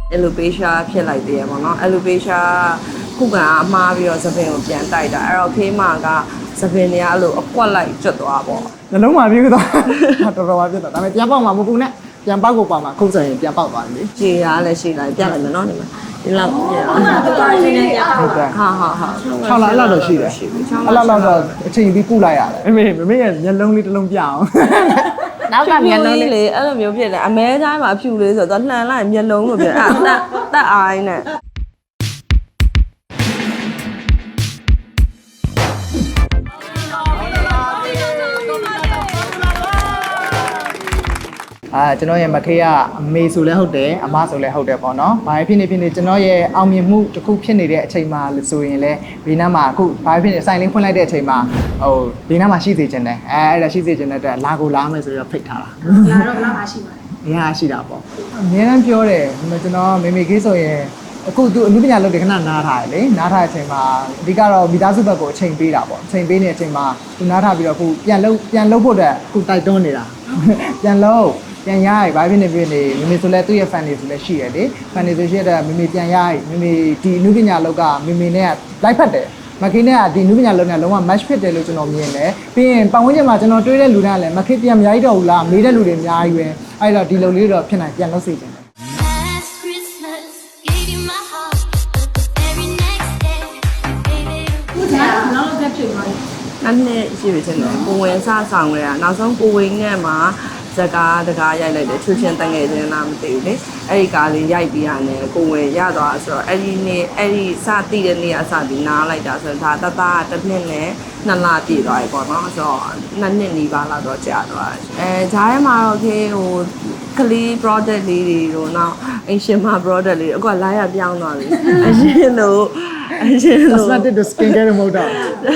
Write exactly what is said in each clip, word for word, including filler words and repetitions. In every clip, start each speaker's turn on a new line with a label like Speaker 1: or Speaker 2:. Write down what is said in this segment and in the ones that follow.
Speaker 1: alopecia ဖြစ်လိုက်သေးရပေါ့နော် alopecia ခုကအမှားပြီးတော့သပင်ကိုပြန်တိုက်တာအဲ့တော့ခေးမကသပင်တွေကအဲ့လိုအကွက်လိုက်ကျွတ်သွားပေါ့
Speaker 2: နှလုံးမှာပြေးသွားတော်တော်ပါပြတ်သွားဒါပေမဲ့ပြန်ပေါက်မှာမပူနဲ့ပြန်ပေါက်ကိုပေါက်မှာခုတ်ဆိုင်ရင်ပြန်ပေါက်သွားပြီ
Speaker 1: ခြေရလည်းရှိလိုက်ပြလိုက်မယ်နော်ဒီမှာဒီလောက်ပြအောင်
Speaker 2: ဟုတ်ကဲ့ဟာဟာဟာ၆လအဲ့လောက်တော့ရှိတယ်အဲ့လောက်တော့အချိန်ပြီးကုလိုက်ရတယ်မမေမမေရဲ့မျက်လုံးလေးတစ်လုံးပြအောင်
Speaker 1: နောက်ကမျက်လုံးလေးလေအဲ့လိုမျိုးဖြစ်တယ်အမဲတိုင်းမှာအဖြူလေးဆိုတော့လှန်လိုက်မျက်လုံးလို့ဖြစ်အဲ့တက်တက်အိုင်းနဲ့
Speaker 2: အာကျွန်တော်ရဲ့မခေးကအမေဆိုလဲဟုတ်တယ်အမဆိုလဲဟုတ်တယ်ပေါ့နော်။ဘာဖြစ်နေဖြစ်နေကျွန်တော်ရဲ့အောင်မြင်မှုတစ်ခုဖြစ်နေတဲ့အချိန်မှာဆိုရင်လည်းဘေးနားမှာအခုဘာဖြစ်နေဆိုင်လင်းဖွင့်လိုက်တဲ့အချိန်မှာဟိုဘေးနားမှာရှိစေချင်တယ်အဲအဲ့ဒါရှိစေချင်တဲ့အတွက်လာကိုလာမယ်ဆိုတော့ဖိတ်ထားတာ
Speaker 3: ။လာတော့လာမှာရှိပါတယ်
Speaker 2: ။အများရှိတာပေါ့။အများအားပြောတယ်ကျွန်တော်မေမေခေးဆိုရင်အခုသူအမှုပညာလုပ်တယ်ခဏနားထားတယ်လေနားထားတဲ့အချိန်မှာအဓိကတော့မိသားစုဘက်ကိုအချိန်ပေးတာပေါ့အချိန်ပေးနေတဲ့အချိန်မှာသူနားထားပြီးတော့အခုပြန်လုပ်ပြန်လုပ်ဖို့အတွက်အခုတိုက်တွန်းနေတာပြန်လုပ်ပြန်ရရဘာဖြစ်နေဖြစ်နေမမေဆိုလဲသူ့ရဲ့ fan တွေဆိုလဲရှိရတယ် fan တွေဆိုရှိတဲ့မမေပြန်ရရမမေဒီအမှုပညာလောက်ကမမေနဲ့လိုက်ဖက်တယ်မခေနဲ့ကဒီအမှုပညာလောက်နဲ့လုံးဝ match ဖြစ်တယ်လို့ကျွန်တော်မြင်တယ်ပြီးရင်ပတ်ဝန်းကျင်မှာကျွန်တော်တွေးတဲ့လူတိုင်းကလည်းမခေပြန်မရိုက်တော့ဘူးလားမေးတဲ့လူတွေအများကြီးပဲအဲ့တော့ဒီလိုလေးတော့ဖြစ်နိုင်ပြန်လုပ်စေချင်တယ်
Speaker 3: ခုကျတော့နောက်တစ်ဖြစ်သွားပြီ
Speaker 1: အဲ့နဲ့ရှိပြီချင်းတယ်ကိုဝင်စဆောင်ကြရနောက်ဆုံးကိုဝင်နဲ့မှာဇကားတကားရိုက်လိုက်တယ်ချွချင်းတငယ်ချင်းလားမသိဘူးလေအဲ့ဒီကားလေးရိုက်ပြီးရတယ်ကိုဝင်ရသွားဆိုတော့အဲ့ဒီနေ့အဲ့ဒီစတိတဲ့နေ့အစပြီးနားလိုက်တာဆိုတော့ဒါတသားတစ်နှစ်နဲ့နှစ်လပြည့်သွားပြီပေါ့နော်ဆိုတော့နှစ်နှစ်နီးပါးလောက်တော့ကြာသွားတယ်အဲဂျားထဲမှာတော့ခေဟိုကလေး product လေးတွေတော့နောက်အင်ရှင်မ product လေးအခုကလာရပြောင်းသွားပြီအရှင်လို့အရှင်လို့
Speaker 2: cosmetic skin care မဟုတ်တော့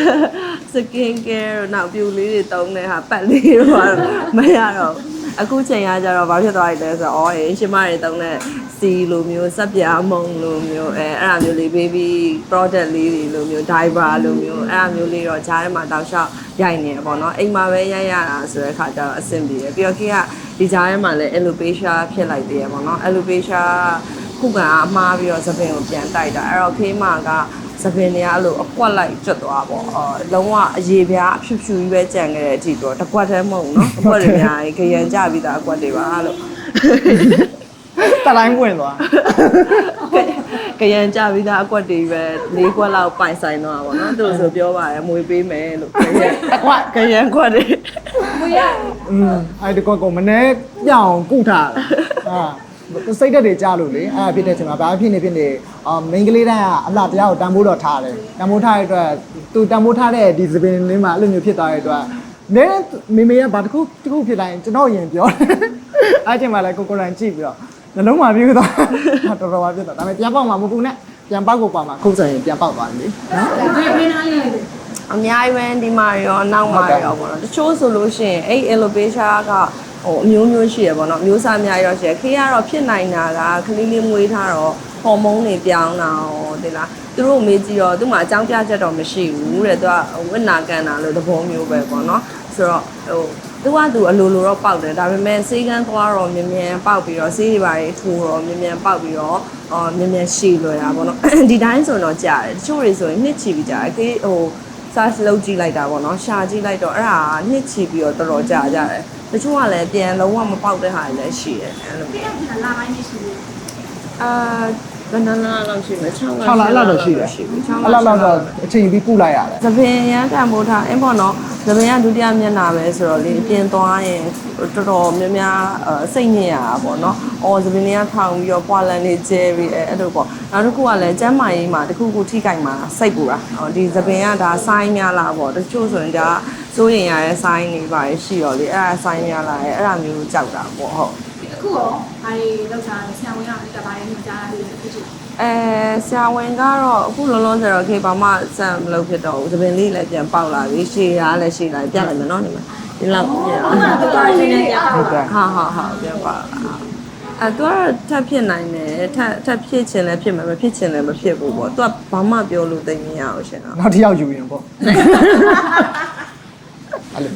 Speaker 1: skin care တော့နောက်ပြူလေးတွေတုံးတဲ့ဟာပတ်လေးတော့မရတော့အခုချိန်ရကြတော့ဘာဖြစ်သွားပြီလဲဆိုတော့အော်အရှင်မတွေတုံးတဲ့စီလိုမျိုးစက်ပြားမုံလိုမျိုးအဲအဲ့အမျိုးလေး baby product လေးတွေလိုမျိုး diaper လိုမျိုးအဲ့အမျိုးလေးတော့ဂျားထဲမှာတောက်လျှောက်ရိုက်နေတယ်ပေါ့နော်အိမ်မှာပဲရိုက်ရတာဆိုတဲ့ခါကျတော့အဆင်ပြေတယ်ပြီးတော့ခေကဒီဂျားထဲမှာလည်း alopecia ဖြစ်လိုက်သေးရပေါ့နော် alopecia ခုကအမှားပြီးတော့သပင်ကိုပြန်တိုက်တာအဲ့တော့ခေမကသပင်တွေကအဲ့လိုအကွက်လိုက်ကျွတ်သွားပေါ့အော်လုံးဝအရေပြားအဖြူဖြူကြီးပဲကြံခဲ့တဲ့အထိတော့တကွက်တည်းမဟုတ်နော်အကွက်တွေအများကြီးခရံကြပြီးသားအကွက်တွေပါလို့
Speaker 2: တတိုင်းပွင့်သွား
Speaker 1: ခရံကြပြီးသားအကွက်တွေပဲလေးကွက်လောက်ပိုင်ဆိုင်တော့ပါနော်သူတို့ဆိုပြောပါတယ်မွေပေးမယ်လို့ခရံအကွက်ခရံကွက်တွေ
Speaker 3: မွေရ
Speaker 2: อืมအဲ့ဒီကွက်ကိုမနေ့ပြောင်းကုထားတာဟာစိတ်တက်တွေကြားလို့လေအဲ့ဖြစ်တဲ့ချိန်မှာဘာဖြစ်နေဖြစ်နေအာ main ကလေးတိုင်းကအလှတရားကိုတန်ဖိုးတော့ထားတယ်တန်ဖိုးထားတဲ့အတွက်သူတန်ဖိုးထားတဲ့ဒီသပင်လေးမှာအဲ့လိုမျိုးဖြစ်သွားတဲ့အတွက်နဲမေမေကဘာတစ်ခုတစ်ခုဖြစ်တိုင်းကျွန်တော်ရင်ပြောတယ်အဲ့ချိန်မှာလည်းကိုကိုရိုင်းကြည့်ပြီးတော့နှလုံးမှာပြေးသွားတော်တော်ပါပြတ်သွားဒါပေမဲ့ပြန်ပေါက်မှာမပူနဲ့ပြန်ပေါက်ကိုပေါက်မှာခုတ်ဆိုင်ရင်ပြန်ပေါက်သွားပြီ
Speaker 3: နော်ဘယ်ဘယ်နားလေးလဲ
Speaker 1: အများကြီးပဲဒီမှာရောနောက်မှာရောပေါ့နော်တချို့ဆိုလို့ရှိရင်အဲ့ alopecia ကဟိုအမျိုးမျိုးရှိရပေါ့နော်မျိုးစားအများကြီးတော့ရှိရခေကတော့ဖြစ်နိုင်တာကကလေးလေးမွေးထားတော့ဟော်မုန်းတွေပြောင်းတာဟောဒီလားသူတို့မေးကြည့်တော့သူ့မှာအကြောင်းပြချက်တော့မရှိဘူးတဲ့သူကဝိနာကန်တာလို့သဘောမျိုးပဲပေါ့နော်ဆိုတော့ဟိုသူကသူအလိုလိုတော့ပေါက်တယ်ဒါပေမဲ့ဆေးကန်းသွားတော့မြ мян ပေါက်ပြီးတော့ဆေးတွေပါတွေထိုးတော့မြ мян ပေါက်ပြီးတော့အော်မြ мян ရှည်လွယ်တာပေါ့နော်ဒီတိုင်းဆိုတော့ကြာတယ်တချို့တွေဆိုရင်နှစ်ချီပြီးကြာတယ်ခေဟို search လုပ်ကြည့်လိုက်တာပေါ့နော်ရှာကြည့်လိုက်တော့အဲ့ဒါနှစ်ချီပြီးတော့တော်တော်ကြာကြတယ်တချို့ကလည်းပြန်လုံးဝမပေါက်တဲ့ဟာတွေလည်းရှိတယ်အဲ့လို
Speaker 3: မျိုးပြန်လာပိုင်းရှိတယ်
Speaker 1: အာဘယ်နှလားလောက်ရှိလဲ
Speaker 2: ၆လလောက်တော့ရှိတယ်အဲ့လောက်တော့အချိန်ပြီးကုလိုက်ရတယ်
Speaker 1: သပင်ရန်တန်မိုးထားအင်းပေါ့နော်သပင်ကဒုတိယမျက်နှာပဲဆိုတော့လေပြင်သွားရင်တော်တော်များများစိတ်ညစ်ရတာပေါ့နော်အော်သပင်လေးကထောင်ပြီးတော့ပွာလန်လေးကျဲပြီးအဲ့လိုပေါ့နောက်တစ်ခုကလည်းကျမ်းမာရေးမှာတစ်ခုခုထိကြိုက်မှာစိတ်ပူတာဒီသပင်ကဒါဆိုင်းများလားပေါ့တချို့ဆိုရင်ဒါစိုးရင်ရတဲ့ဆိုင်းနေပါရှိတော့လေအဲ့ဒါဆိုင်းများလားအဲ့ဒါမျိုးကြောက်တာပေါ့ဟုတ်
Speaker 3: အခုရောဘာတွေလောက်တာလဲဆရာဝန်ကလည်းတပါးလေးမကြားရသေးဘူးဖြစ်
Speaker 1: အဲဆရာဝန်ကတော့အခုလုံးလုံးဆိုတော့ခေဘာမှစံမလုပ်ဖြစ်တော့ဘူးသပင်လေးလည်းပြန်ပေါက်လာပြီရှည်ရလည်းရှည်လာပြလိုက်မယ်နော်ဒီမှာဒီလောက်ပြန်
Speaker 3: အောင်တော်တော်လေးနဲ့ပြန်
Speaker 1: ဟုတ်ကဲ့ဟာဟာဟာပြန်ပေါက်လာအဲသူကထပ်ဖြစ်နိုင်တယ်ထပ်ထပ်ဖြစ်ချင်လည်းဖြစ်မှာမဖြစ်ချင်လည်းမဖြစ်ဘူးပေါ့သူကဘာမှပြောလို့သိမရအောင်ရှင်တော့
Speaker 2: နောက်တစ်ယောက်ယူရင်ပေါ့
Speaker 3: အဲ့လိုကလေးကပြ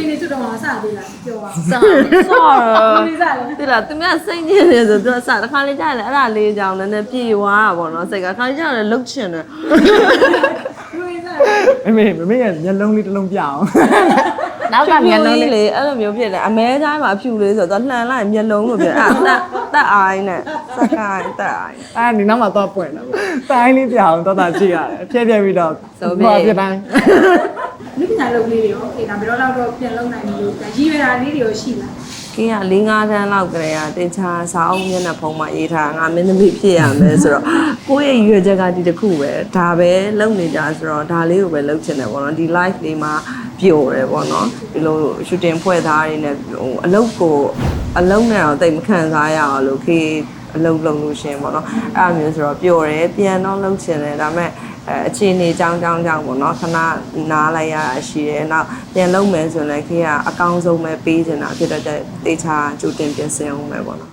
Speaker 3: ဖေနေချွတ်တော့မှာစသေးလားပြောပါ
Speaker 1: ဆောဆော
Speaker 3: နေစားလဲ
Speaker 1: တိလားသူများစိတ်ညစ်နေဆိုသူကစတစ်ခါလေးကြားတယ်အဲ့ဒါလေးကြောင့်နည်းနည်းပြေသွားတာပေါ့နော်စိတ်ကခါလေးကြားတယ်လှုပ်ချင်တယ်
Speaker 3: လူရင်းစား
Speaker 2: မမေမမေရဲ့မျက်လုံးလေးတစ်လုံးပြအောင်
Speaker 1: နောက်ကမျက်လုံးလေးလေအဲ့လိုမျိုးဖြစ်တယ်အမဲတိုင်းမှာအဖြူလေးဆိုတော့လှန်လိုက်မျက်လုံးလို့ဖြစ်အဲ့တက်တက်အိုင်းနဲ့စကိုင်းတက်အိုင်း
Speaker 2: အဲ့ဒီနောက်မှာတော့ပွင့်တယ်တိုင်းလေးပြအောင်တော့တာကြည့်ရတယ်ဖြည့်ဖြည့်ပြီးတော့ပြတိုင်း
Speaker 3: လူပညာလုပ်လေးတွေရောအေးဒါဘယ်တော့တော့ပြန်လုပ်နိုင်လို့ရည်ရွယ်တာလေးတွေရောရှိလား
Speaker 1: ကင်းက၄၅တန်းလောက်ကလေးကတင်ချာစာအုပ်မျက်နှာဖုံးမှာရေးထားငါမင်းသမီးဖြစ်ရမယ်ဆိုတော့ကိုယ့်ရဲ့ရွေချက်ကဒီတစ်ခုပဲဒါပဲလုပ်နေကြဆိုတော့ဒါလေးကိုပဲလုပ်ချင်တယ်ပေါ့နော်ဒီ live လေးမှာပျော်တယ်ပေါ့နော်ဒီလို shooting ဖွဲ့သားတွေနဲ့ဟိုအလုပ်ကိုအလုပ်နဲ့တော့တိတ်မခံစားရအောင်လို့ခေအလုပ်လုပ်လို့ရှင်ပေါ့နော်အဲ့လိုမျိုးဆိုတော့ပျော်တယ်ပြန်တော့လုပ်ချင်တယ်ဒါပေမဲ့အဲအခြေအနေကြောင်းကြောင်းကြောင်းပေါ့နော်ခဏနားလိုက်ရတာရှိတယ်နောက်ပြန်လုပ်မယ်ဆိုရင်လည်းခေကအကောင်းဆုံးပဲပေးချင်တာဖြစ်တော့တေချာကြိုတင်ပြင်ဆင်အောင်ပဲပေါ့နော်